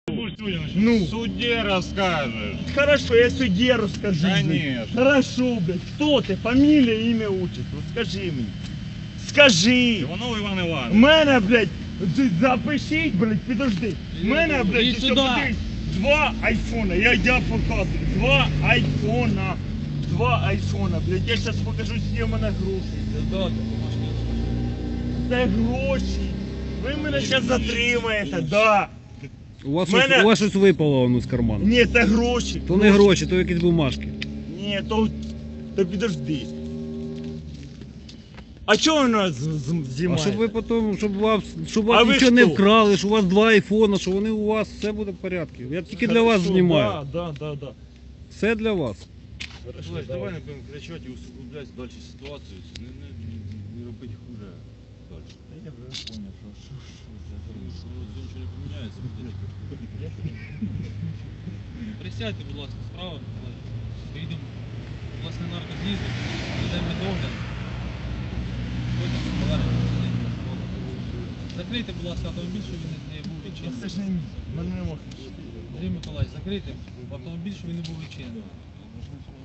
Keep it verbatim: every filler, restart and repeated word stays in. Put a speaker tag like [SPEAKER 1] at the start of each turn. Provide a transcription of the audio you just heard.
[SPEAKER 1] Ну.
[SPEAKER 2] В суде расскажешь.
[SPEAKER 1] Хорошо, я судье расскажу. блядь.
[SPEAKER 2] Конечно.
[SPEAKER 1] Хорошо, блядь. Кто ты? Фамилия, имя, отчество. Скажи мені. Скажи.
[SPEAKER 2] Иванов Иван
[SPEAKER 1] У
[SPEAKER 2] Иванович.
[SPEAKER 1] мене, блядь, з- запишіть, блядь, підожди. У мене, блядь,
[SPEAKER 3] Іди
[SPEAKER 1] ще
[SPEAKER 3] сюди.
[SPEAKER 1] подивись, два айфона. Я, я показую. Два айфона. Два айфона, блядь. Я зараз покажу, скільки в мене грошей. Це гроші. Ви мене зараз затримаєте, да.
[SPEAKER 4] У вас,
[SPEAKER 1] Мене-
[SPEAKER 4] щось, у вас щось випало воно з карману.
[SPEAKER 1] Ні, це гроші.
[SPEAKER 4] То не гроші, то якісь бумажки.
[SPEAKER 1] Ні, то, то підожди. А чого ви нас з- з-
[SPEAKER 4] А
[SPEAKER 1] знімаєте?
[SPEAKER 4] щоб ви потім, щоб вас, щоб
[SPEAKER 1] А
[SPEAKER 4] вас
[SPEAKER 1] ви
[SPEAKER 4] нічого не
[SPEAKER 1] хто?
[SPEAKER 4] вкрали, що у вас два айфона, що вони у вас, все буде в порядку. Я тільки для вас
[SPEAKER 1] Хорошо,
[SPEAKER 4] знімаю.
[SPEAKER 1] Да, да, да, да.
[SPEAKER 4] Все для вас.
[SPEAKER 1] Хорошо,
[SPEAKER 2] Слушай, давай не будем кричать и усугублять дальше ситуацию. Не, не, не робить хуже дальше.
[SPEAKER 1] Я вже понял, що, що, що це за
[SPEAKER 2] Что ничего не поменяется.
[SPEAKER 3] Присядьте, будь ласка, справа. Поїдемо, власне, на наркознізу, ведемо догляд. Потім повернемося. Закрийте, будь ласка, автомобіль, щоб він не був
[SPEAKER 1] Це
[SPEAKER 3] відчинений.
[SPEAKER 1] ж не мій, мене не можна.
[SPEAKER 3] Андрій Миколаївич, закрийте автомобіль, щоб він не був відчинений.